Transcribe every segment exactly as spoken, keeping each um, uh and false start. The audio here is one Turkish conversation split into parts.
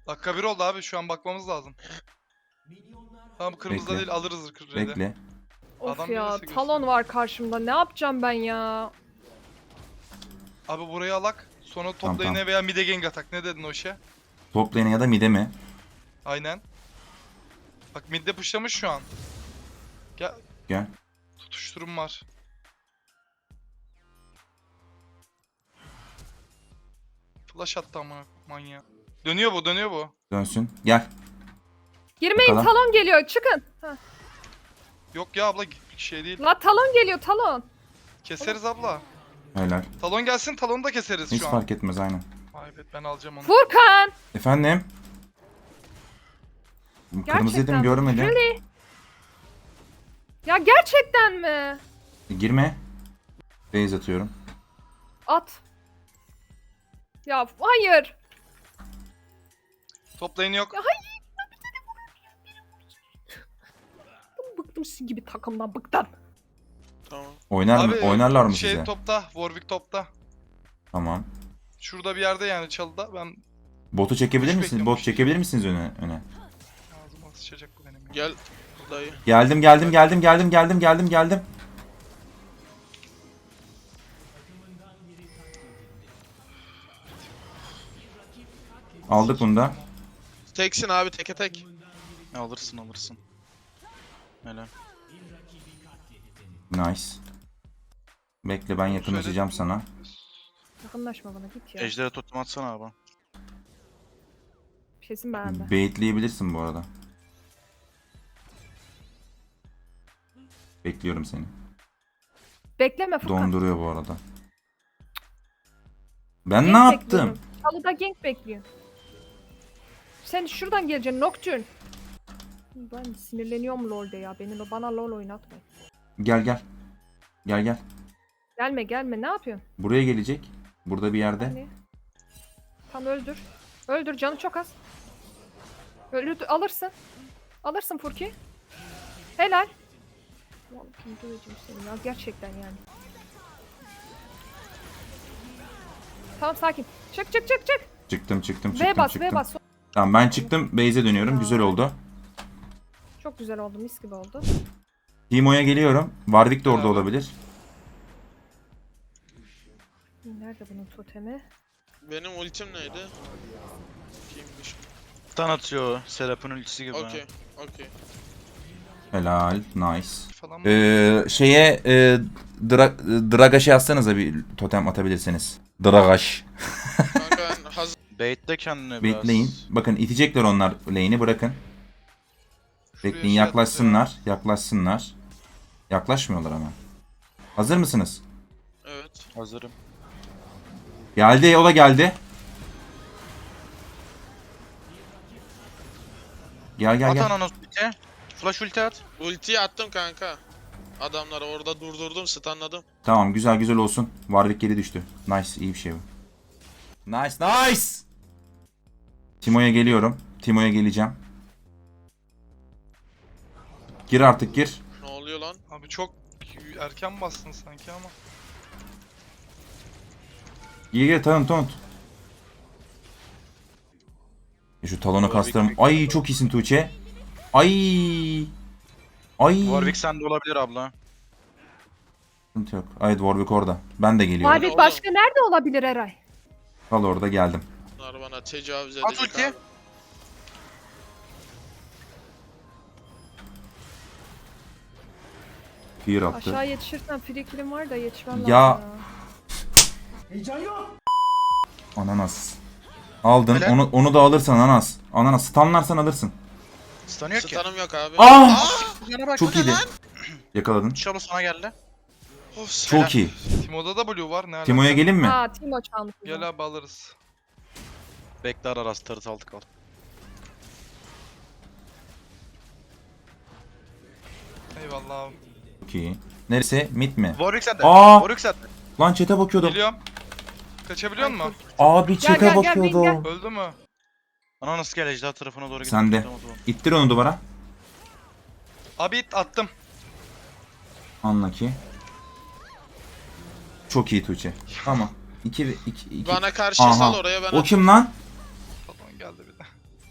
Dakika bir oldu abi, şu an bakmamız lazım. Tamam, kırmızıda Bekle. değil, alırız kırmızıyı. Bekle. Of Adam ya, neresi talon gösteriyor? var karşımda. Ne yapacağım ben ya? Abi burayı alak. Sonra top Tamam, lane'e tamam. veya mid'e gank atak. Ne dedin o işe? Top lane'e ya da mid'e mi? Aynen. Bak mid'de pushlamış şu an. Gel. Gel. Tutuşturum var. Flash attı ama manyağı. Dönüyor bu, dönüyor bu. Dönsün. Gel. Girmeyin, Bakalım. talon geliyor. Çıkın. Heh. Yok ya abla, şey değil. La talon geliyor, talon. Keseriz abla. Helal. Talon gelsin, talonu da keseriz Hiç şu an. fark etmez aynen. Ay evet, ben alacağım onu. Furkan. Efendim? Kırmızı dedim Gerçekten. görmedim. Really? Ya gerçekten mi? E, girme. Base atıyorum. At. Ya hayır. Top lane yok. Ya hayır. Bıktım sizin gibi takımdan, bıktım. Tamam. Oynar mı? Abi, Oynarlar mı şey size? topta, Warwick topta. Tamam. Şurada bir yerde yani, çalıda. Ben Botu çekebilir Hiç misiniz? Bot beklememiş. çekebilir misiniz öne? öne? ağzıma sıçacak bu benim ya. Gel dayı. Geldim geldim geldim geldim geldim geldim geldim. Aldık bunu da. Teksin abi, teke tek. Alırsın alırsın. Helal. Nice. Bekle, ben yakınlaşacağım sana. Yakınlaşma bana, git ya. Ejder'e totem atsana abi. Kesin beğendi. Baitleyebilirsin bu arada. Bekliyorum seni. Bekleme Furkan. Donduruyor bu arada. Ben Gank ne yaptım? bekliyorum. Çalıda gank bekliyor. Sen şuradan geleceksin Nocturne. Ben sinirleniyorum LoL'de ya. Beni bana LoL oynatma. Gel gel. Gel gel. Gelme gelme, ne yapıyorsun? Buraya gelecek. Burada bir yerde. Hani? Tam öldür. Öldür, canı çok az. Öldür, alırsın. Alırsın Furki. Helal. Vallahi öldüreceğim seni ya, gerçekten yani. Tamam, sakin. Çık çık çık çık. Çıktım çıktım çıktım V bas çıktım. V bas. Tamam, ben çıktım. Base'e dönüyorum. Güzel oldu. Çok güzel oldu, mis gibi oldu. Timo'ya geliyorum. Warwick de orada Bravo. olabilir. Nerede bunun totemi? Benim ultim neydi? Kimmiş? Stun atıyor. Serap'ın ultisi gibi. Okey, okey. Helal. Nice. Falan mı? Ee, şeye e, dra Dragaş'ı yazsanıza, bir totem atabilirsiniz. Dragaş. Kanka ben hazır. Baitle kendine biraz. Bekleyin. Bakın itecekler onlar lane'i, bırakın. Şuraya Bekleyin, şey yaklaşsınlar. Yaklaşsınlar. Yaklaşmıyorlar ama. Hazır mısınız? Evet. Hazırım. Geldi, o da geldi. Gel gel At gel. ananas ulti. Flash ulti at. Ultiyi attım kanka. Adamları orada durdurdum, stunladım. Tamam, güzel güzel olsun. Warwick geri düştü. Nice, iyi bir şey bu. Nice nice. Timo'ya geliyorum. Timo'ya geleceğim. Gir artık, gir. Ne oluyor lan? Abi çok erken bastın sanki ama. Gir gir, tanıt tanıt. E şu talonu kastırım. Ay çok iyisin Tuğçe. Ay. Ay. Warwick sende olabilir abla. Sıkıntı yok. Ay Warwick orada. Ben de geliyorum. Warwick oğlum? başka nerede olabilir Eray? Kal orada, geldim. Bunlar bana tecavüz At edecek ulti. abi. Fear attı. Aşağı yetişirsen free kill'im var da yetişmem Ya. lazım ya. Ananas. Aldın. Helal. Onu onu da alırsan ananas. Ananas stunlarsan alırsın. Stun yok ki. Stun'ım yok abi. Ah! Yana bak. Çok iyiydi. Yakaladın. Şalo sana geldi. Of, Çok iyi. Timo'da da blue var, ne alaka? Timo'ya gelin mi? Aa, Timo çalmış. o Gel zaman. abi, alırız. Bekle ara rast tarıt altı kal. Eyvallah abi. Çok iyi. Neresi? Mid mi? Warwick sende. Aa! Warwick sende. Lan chat'e bakıyordum. Geliyorum. Kaçabiliyor musun? Abi Gel, chat'e gel, gel, bakıyordu. gel, gel. Öldü mü? Ananas gel ejder tarafına doğru git. Sen de. Tamam, tamam. İttir onu duvara. Abi it attım. Anla ki. Çok iyi Tuğçe. Tamam. iki iki iki. Bana karşı Aha. sal oraya ben O kim lan? Talon geldi bir de.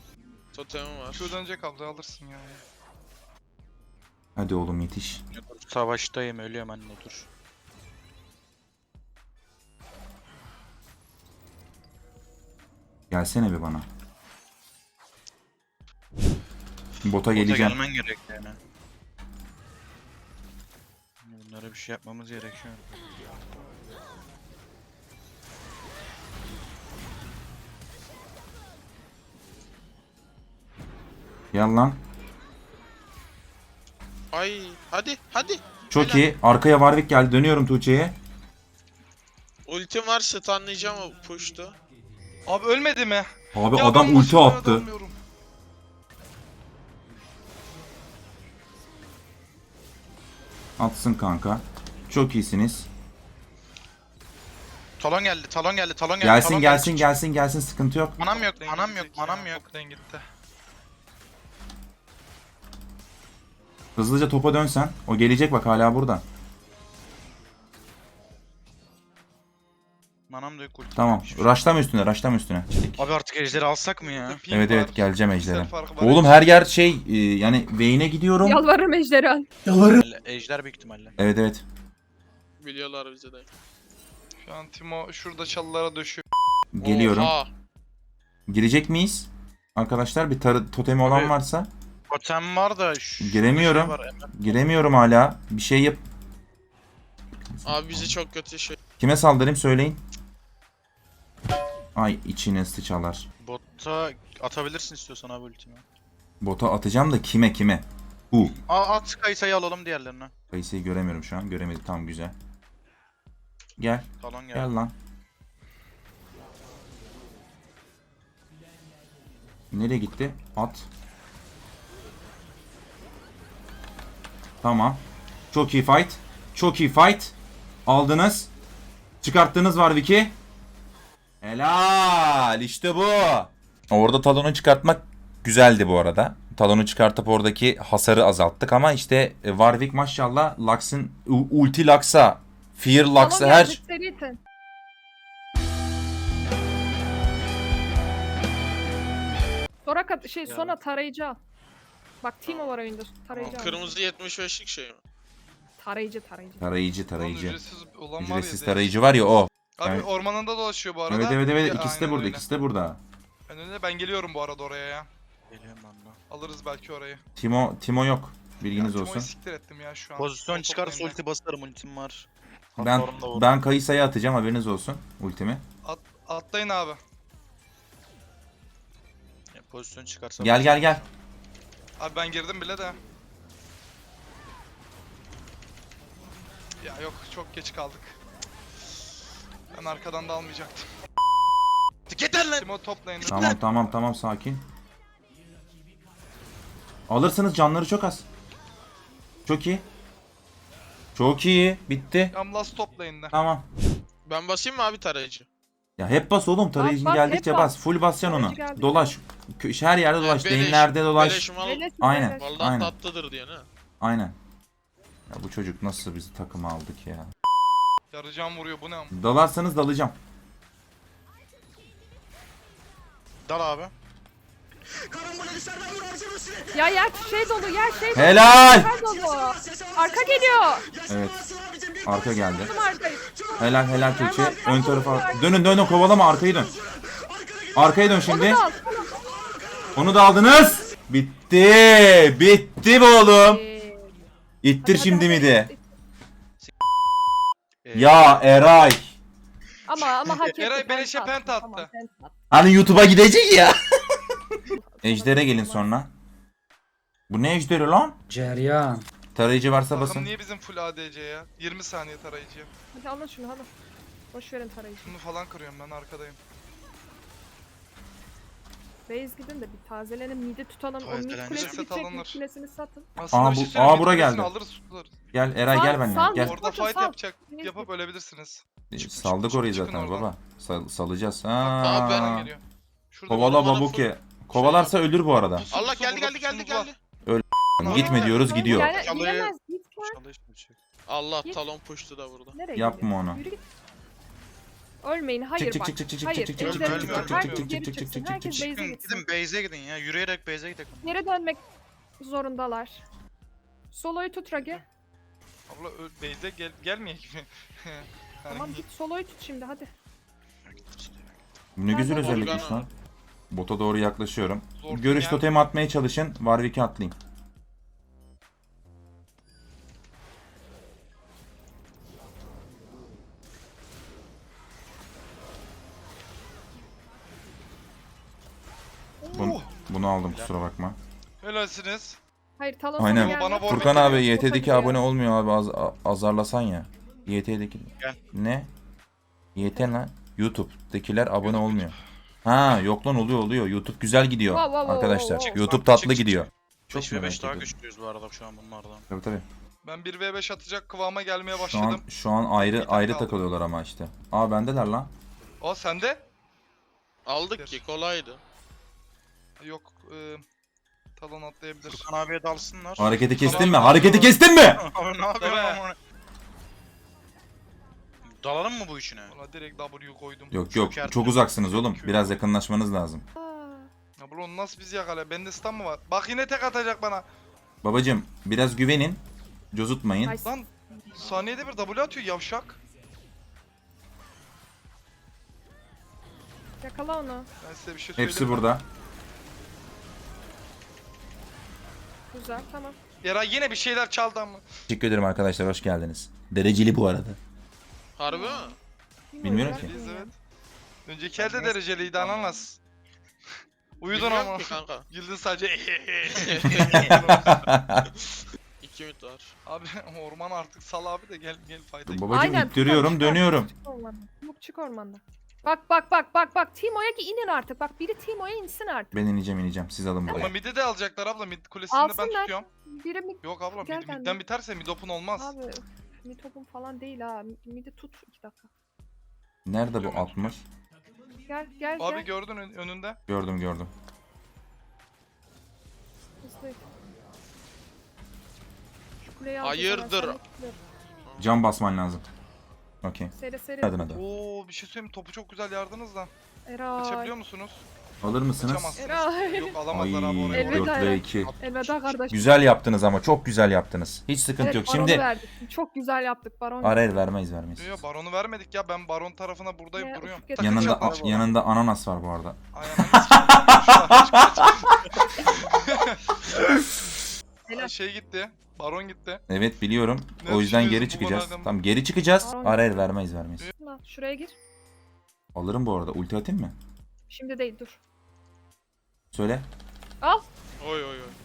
Totemim var. Şu dönecek abla alırsın ya. Hadi oğlum yetiş. Savaştayım, ölüyorum anne, dur. Gelsene bir bana. Bota Bota geleceğim. gelmen gerek yani. Bunlara bir şey yapmamız gerekiyor. Gel lan. Ay hadi hadi. Çok Helal. iyi. Arkaya Warwick geldi. Dönüyorum Tuğçe'ye. Ultim var, stunlayacağım o push'tu. Abi ölmedi mi? Abi Ya adam ben ulti başımdan attı. dönmüyorum. Atsın kanka. Çok iyisiniz. Talon geldi, talon geldi, talon geldi. Gelsin talon gelsin geldi. gelsin gelsin sıkıntı yok. Manam yok, Lane manam yok, gidecek ya, manam yok. çok lane gitti. Hızlıca topa dönsen. O gelecek bak hala burada. Manam da yok, ulti. Tamam. Rushlama üstüne, rushlama üstüne. Abi artık ejderi alsak mı ya? Ping Evet var, evet geleceğim piksel ejdere. farkı var. Oğlum her yer şey e, yani Vayne'e gidiyorum. Yalvarırım ejderha. Ejder büyük ihtimalle. Evet evet. Biliyorlar bizi de. Şu an Timo şurada çalılara döşüyor. Geliyorum. Oha. Girecek miyiz? Arkadaşlar bir tarı totemi olan Abi- varsa. Totem var da şu Giremiyorum. şey var, hemen. Giremiyorum hala. Bir şey yap. Abi bizi çok kötü şey. Kime saldırayım söyleyin. Ay içine sıçalar. Botta atabilirsin istiyorsan abi ultimi. Bota atacağım da kime kime? Bu. Aa, at Kaysa'yı alalım diğerlerine. Kayısıyı göremiyorum şu an. Göremedim. Tamam güzel. Gel. Talon geldi. Gel lan. Nereye gitti? At. Tamam. Çok iyi fight. Çok iyi fight. Aldınız. Çıkarttınız Warwick'i. Helal. İşte bu. Orada talonu çıkartmak güzeldi bu arada. Talonu çıkartıp oradaki hasarı azalttık ama işte e, Warwick maşallah Lux'ın u- ulti Lux'a, Fear Lux'a Tamam, her geldi, seri itin. Sonra kat şey sonra tarayıcı al. Bak Timo var oyunda tarayıcı al. Kırmızı yetmiş beşlik şey mi? Tarayıcı tarayıcı. tarayıcı Lan tarayıcı. ücretsiz olan var ya. Ücretsiz direkt. tarayıcı var ya o. Abi Evet. ormanında dolaşıyor bu arada. Evet evet evet Ya, ikisi de aynen burada öyle. ikisi de burada. Ben öyle ben geliyorum bu arada oraya ya. Geliyorum ben de. Alırız belki orayı. Timo Timo yok. Bilginiz ya, olsun. Timo'yu siktir ettim ya şu an. Pozisyon Top çıkarsa toplayayım ulti basarım, ultim var. Ben Hasarım da var. ben Kayısa'ya atacağım haberiniz olsun ultimi. ben. At, atlayın abi. Ya, pozisyon çıkarsa. Gel gel gel. Abi ben girdim bile de. Ya yok çok geç kaldık. Ben arkadan da almayacaktım. Yeter lan. Timo toplayın. Tamam tamam tamam sakin. Alırsınız canları çok az. Çok iyi. Çok iyi. Bitti. Tam last toplayın da. Tamam. Ben basayım mı abi tarayıcı? Ya hep bas oğlum tarayıcın bas, geldikçe hep bas. bas. Full basacaksın onu. Tarayıcı geldikçe Dolaş. Kö- Her yerde dolaş. Beleş- Lane'lerde dolaş. beleşim al. Öyle Aynen. söyle. Vallahi Aynen. tatlıdır diye ne? Aynen. Ya bu çocuk nasıl bizi takıma aldık ya. Yarıcan vuruyor bu ne am? Dalarsanız dalacağım. Dal abi. Ya yer şey dolu yer şey dolu. Helal. Yer dolu. Arka geliyor. Evet. Arka geldi. Tam arkayı. Helal helal Tuğçe. Ön tarafa. Dönün dönün kovalama arkayı dön. Arkaya dön Onu şimdi. da al. Onu da aldınız. Bitti. Bitti bu oğlum. Ee, İttir hadi, şimdi hadi, mi de? hadi. Ee, Ya Eray. Ama ama hak etti. Eray beleşe penta penta attı. Tamam, penta attı. Hani YouTube'a gidecek ya. Ejder'e gelin sonra. Bu ne ejderi lan? Ceryan. Tarayıcı varsa Takım basın. niye bizim full A D C ya? yirmi saniye tarayıcı. Hadi alın şunu hadi. Boş verin tarayıcı. Şunu falan kırıyorum ben arkadayım. Base gidin de bir tazelenin midi tutalım. O mid Tazelenecek. kulesi Set gidecek, alınır. mid kulesini satın. Aslında Aa, bir şey bu- söyleyeyim, aa, bura birisini geldi. Alırız tutarız. Gel Eray Sal- gel benimle. sal, Gel. Orada Koçum, fight sal. yapacak. Neyse. Yapıp ölebilirsiniz. Çık, Saldık çık, orayı çıkın zaten oradan. baba. Sal- salacağız. Abi ben Ha. Geliyor. Şurada Kovala bana babuke. Kovalarsa ölür bu arada. Pusu, Allah pusu, geldi burada geldi geldi pusunuz var. geldi. Gitme diyoruz gidiyor. Yani Çalıyı- gidemez. Git lan. İnşallah hiçbir şey yok. Allah Git. talon push'tu da burada. Nereye Yapma gidiyor? onu. Yürü git. Ölmeyin. Hayır çık, bak. çık, çık, çık, Hayır. çık, çık, çık, ejder çık, çıkar. çık, Herkes çık, geri çık, çık, çıksın. çık, Herkes çık, base'e Gidin, gitsin. gidin base'e gidin ya. Yürüyerek base'e gidelim. Geri dönmek zorundalar. Solo'yu tut Ragi. Abla ö- base'e gel gelmeyek mi? Yani Tamam git solo'yu tut şimdi hadi. Bu ne güzel Nerede özellikmiş Morgana? lan. Bota doğru yaklaşıyorum. Zor Görüş yani. totemi atmaya çalışın. Warwick'e atlayayım. Bun- Oh, bunu aldım kusura bakma. helalsiniz. Hayır Talon Aynen. sana geldi. Bana bor- Furkan abi Bota Y T'deki gidiyor. abone olmuyor abi az, a- azarlasan ya. Y T'deki. Gel. Ne? Y T lan. YouTube'dakiler abone olmuyor. Ha yok lan oluyor oluyor. YouTube güzel gidiyor Wow, wow, wow, arkadaşlar. wow, wow. YouTube Bak, tatlı çık, çık, gidiyor. çık. Çok beş ve merak beş daha ediyorum. güçlüyüz bu arada şu an bunlardan. Tabii tabii. Ben bir ve beş atacak kıvama gelmeye Şu başladım. an şu an ayrı Bir tane ayrı kaldı. takılıyorlar ama işte. Aa bendeler lan. Aa sende? Aldık ki kolaydı. Yok. E, talon atlayabilir. Furkan abiye dalsınlar. Hareketi kestin mi? Tamam. Hareketi kestin mi? Abi ne yapıyorsun Tabii. ama? Dalalım mı bu işine? Valla direkt W koydum. Yok yok Çökertme. çok uzaksınız oğlum. Biraz yakınlaşmanız lazım. Aa, Ya bunu nasıl biz yakala? Bende stun mı var? Bak yine tek atacak bana. Babacım biraz güvenin. Cozutmayın. nice. Lan saniyede bir W atıyor yavşak. Yakala onu. Ben size bir şey söyleyeyim. Hepsi mi? burada. Güzel tamam. Eray yine bir şeyler çaldı ama. Teşekkür ederim arkadaşlar hoş geldiniz. Dereceli bu arada. Harbi mi? Bilmiyorum ki. Biz evet. Önceki elde dereceliydi ananas. Uyudun Bilmiyorum ama. ki kanka. Güldün sadece. İki ümit var. Abi orman artık sal abi de gel gel fayda. Babacım Aynen, ittiriyorum çıkar, çıkar. dönüyorum. Çık ormandan. Çabuk çık ormandan. Bak bak bak bak bak Timo'ya ki inin artık. Bak biri Timo'ya insin artık. Ben ineceğim ineceğim. Siz alın Ama buraya. mid'i de alacaklar abla, mid kulesini de ben Alsınlar. tutuyorum. Biri mi? Yok abla Gel mid, benden. midden biterse mid open olmaz. Abi öf, mid topum falan değil ha. Midi tut iki dakika. Nerede bu altmış? Gel gel Abi gel. gördün ön- önünde. Gördüm gördüm. Hızlı. Şu kuleyi alacağız Hayırdır? hemen, sen de Cam basman lazım. Okey. Seri seri. Hadi hadi. Oo bir şey söyleyeyim mi? Topu çok güzel yardınız da. Eray. Kaçabiliyor musunuz? Alır mısınız? Kaçamazsınız. Eray. Yok Ay alamazlar abi orayı. Elveda dört ve Eray. iki. Elveda kardeşim. Güzel yaptınız ama çok güzel yaptınız. Hiç sıkıntı Evet, yok. baronu Şimdi verdik. Çok güzel yaptık baron. arayır vermeyiz vermeyiz. Yok baronu vermedik ya, ben baron tarafına buradayım Ne, duruyorum. ufuk getirdim. Yanında Takılacaklar. yanında ananas var bu arada. Ay ananı sikeyim. Helal. Ay, şey gitti. Baron gitti. Evet biliyorum. Ne O yüzden geri düşünüyorsun bu çıkacağız. konu hakkında? Tamam geri çıkacağız. Baron- Arayır vermeyiz vermeyiz. Lan, şuraya gir. Alırım bu arada. Ulti atayım mı? Şimdi değil dur. Söyle. Al. Oy oy oy.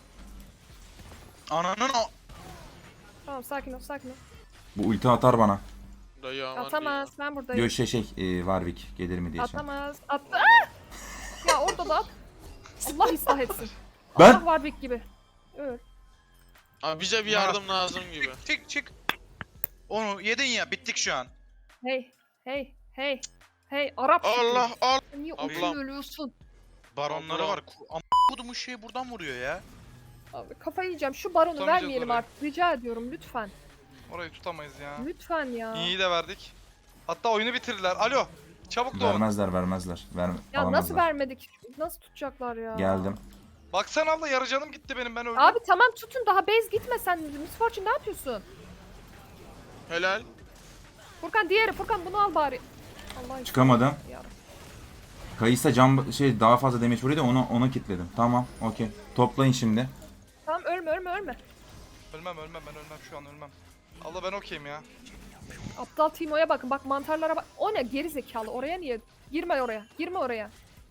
Ananın o... Tamam sakin ol sakin ol. Bu ulti atar bana. Dayı aman Atamaz ben buradayım. Yo şey şey e, Warwick gelir mi diye şey. Atamaz. Attı. Aa! Ya orada da at. Allah ıslah etsin. Ben- Allah Warwick gibi. Öl. Abi bize bir yardım lazım gibi. Çık çık çık. Onu yedin ya, bittik şu an. Hey hey hey. Hey Arap şükür. Allah Allah. Niye Ablam. ucunu ölüyorsun? Baronları Allah. var. Ku- Am kodumun şeyi buradan vuruyor ya. Abi kafayı yiyeceğim. Şu baronu Tutamayacağız vermeyelim orayı. artık. Rica ediyorum lütfen. Orayı tutamayız ya. Lütfen ya. İyi de verdik. Hatta oyunu bitirdiler. Alo. Çabuk doğun. Vermezler vermezler. Ver, Ya nasıl alamazlar. vermedik? Nasıl tutacaklar ya? Geldim. Baksana abla, yarı canım gitti benim, ben öldüm. Abi tamam tutun daha base gitme sen. Miss Fortune ne yapıyorsun? Helal. Furkan diğeri Furkan bunu al bari. Allah için. Çıkamadım. Ya. Kayısa cam şey daha fazla damage vuruyor da onu ona kilitledim. Tamam, okey. Toplayın şimdi. Tamam ölme ölme ölme. Ölmem ölmem, ben ölmem şu an, ölmem. Abla ben okeyim ya. Aptal Timo'ya bakın bak mantarlara bak. O ne geri zekalı oraya niye? Girme oraya. Girme oraya.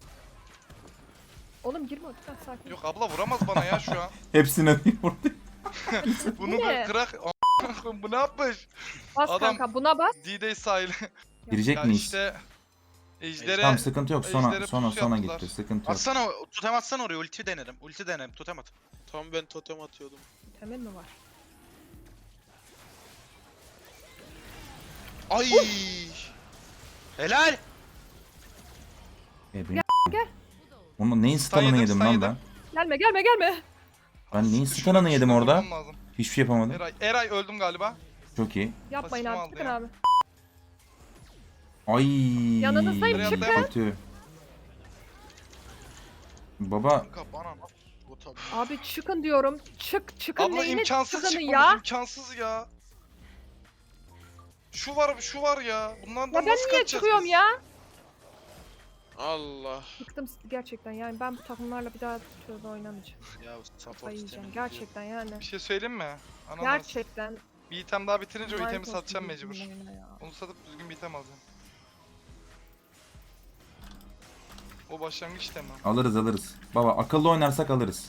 Oğlum girme lütfen sakin. Yok abla vuramaz bana ya şu an. Hepsine vurdu. Bunu ne? bir kırak. A- Bu ne yapmış? Bas adam- kanka buna bas. D-Day sahili. Girecek Ya miyiz? işte ejdere Tamam sıkıntı yok. Sonra ejdere sonra pusu sonra yaptılar. gitti. Sıkıntı yok. Atsana, totem atsana oraya, ulti denerim. Ulti denerim, totem at. Tam ben totem atıyordum. Temel mi var? Ay! Helal! E, benim gel. Onun neyin stun'ını yedim, yedim stun lan yedim. ben? Gelme gelme gelme. Ben neyin Şurada- stun'ını yedim şurada orada? vurmam lazım. Hiçbir şey yapamadım. Eray, Eray öldüm galiba. Çok iyi. Yapmayın Pasifimi abi aldı çıkın ya. abi. Ay. Yanınızdayım, çıkın. Kötü. Baba Kanka bana nasıl bu tabii. Abi çıkın diyorum. Çık çıkın Abla neyine imkansız çıkının çıkmamız ya. imkansız ya. Şu var şu var ya. Bunlardan Ya ben nasıl niye kaçacağız çıkıyorum biz? ya? Allah. Bıktım gerçekten yani ben bu takımlarla bir daha şöyle oynamayacağım. Ya support Ayıyacağım sistemi gerçekten yani. Bir şey söyleyeyim mi? Ananas. Gerçekten. Bir item daha bitirince o lanet itemi olsun satacağım bizim mecbur. oyuna ya. Onu satıp düzgün bir item alacağım. O başlangıç itemi. alırız alırız. Baba akıllı oynarsak alırız.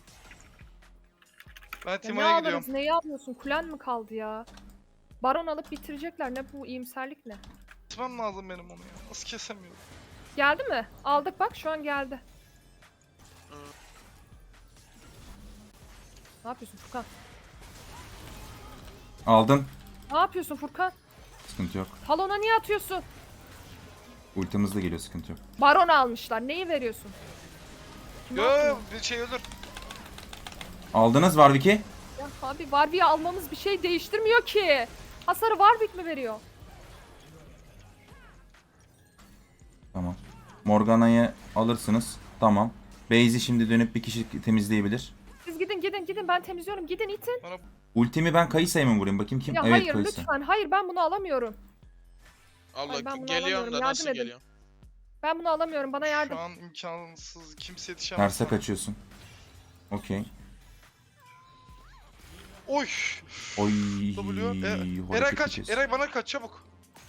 Ben Ya ne Timo'ya gidiyorum. alırız neyi alıyorsun kulen mi kaldı ya? Baron alıp bitirecekler ne bu iyimserlik ne? Kesmem lazım benim onu ya. Nasıl kesemiyorum? Geldi mi? Aldık bak şu an geldi. Hı. Ne yapıyorsun Furkan? Aldım. Ne yapıyorsun Furkan? Sıkıntı yok. Talona niye atıyorsun? Ultimiz de geliyor, sıkıntı yok. Baron almışlar. Neyi veriyorsun? Kim Yo yapıyor? bir şey ölür. Aldınız Warwick'i. Ya abi Warwick'i almamız bir şey değiştirmiyor ki. Hasarı Warwick mi veriyor? Tamam. Morgana'yı alırsınız. Tamam. Baze'i şimdi dönüp bir kişi temizleyebilir. Siz gidin gidin gidin ben temizliyorum. Gidin itin. Bana Ultimi ben Kayısa'ya mı vurayım? Bakayım kim? Ya evet hayır Kayısa. lütfen. Hayır ben bunu alamıyorum. Allah Ay, ben bunu geliyorum alamıyorum, da yardım nasıl edin. geliyorum? Ben bunu alamıyorum. Bana yardım. şu an imkansız. Kimse yetişemez. Terse kaçıyorsun. Okey. Oy. Oy. W. E, hareket Eray kaç. ediyorsun. Eray bana kaç çabuk.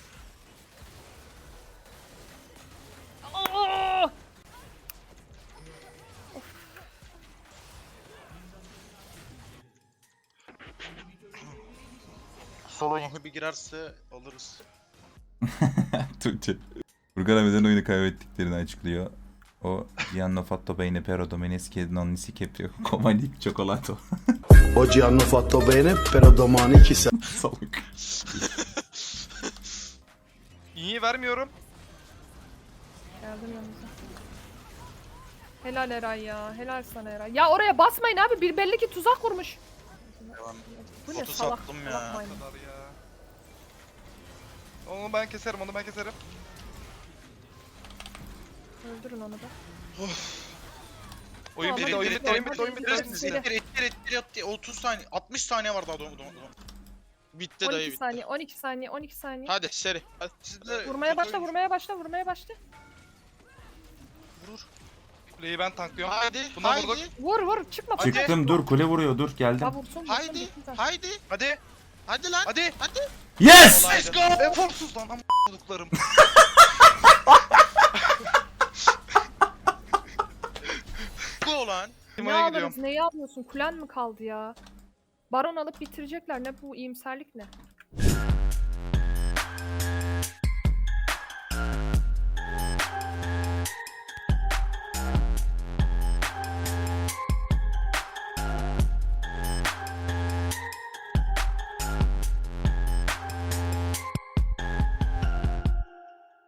Aa! Solo bir girerse alırız. Tuğçe. Furkan abiden oyunu kaybettiklerini açıklıyor. O Gianno Fatto Bene Pero Domeneschi Non si Caprio Comanic Cioccolato. Oggi hanno fatto bene, però domani chissà. Salak. İyi vermiyorum. Geldim yanınıza. Helal Eray ya. Helal sana Eray. Ya oraya basmayın abi. Bir belli ki tuzak kurmuş. Devam. Bu ne Foto salak. sattım ya. salak Bu maymun. kadar ya. Onu ben keserim, onu ben keserim. Öldürün onu da. Oyun Tamam, bitti, hadi oyun gidelim, bitti, oyun hadi bitti, oyun bitti. gidelim. oyun İttir bitti. ittir ittir ittir otuz saniye otmış saniye var daha doğum doğum. Bitti on dayı iki bitti. saniye, on iki saniye, on iki saniye. Hadi seri. Hadi. Siz de Vurmaya kötü başla, oyun- vurmaya başla, vurmaya başla. Vurur. Kuleyi ben tanklıyorum. Haydi. Buna haydi. vurduk. Vur vur, çıkma. Hadi. Furkan, Çıktım, çıkma. dur kule vuruyor, dur geldim. Ha vursun, vursun. Haydi. bitsin zaten. Haydi. Hadi. Hadi lan. Hadi. Hadi. Yes! Let's go. Eforsuz lan ama olduklarım. Go lan. Ne Timo'ya gidiyorum. alırız, neyi alıyorsun? Kulen mi kaldı ya? Baron alıp bitirecekler. Ne bu iyimserlik ne?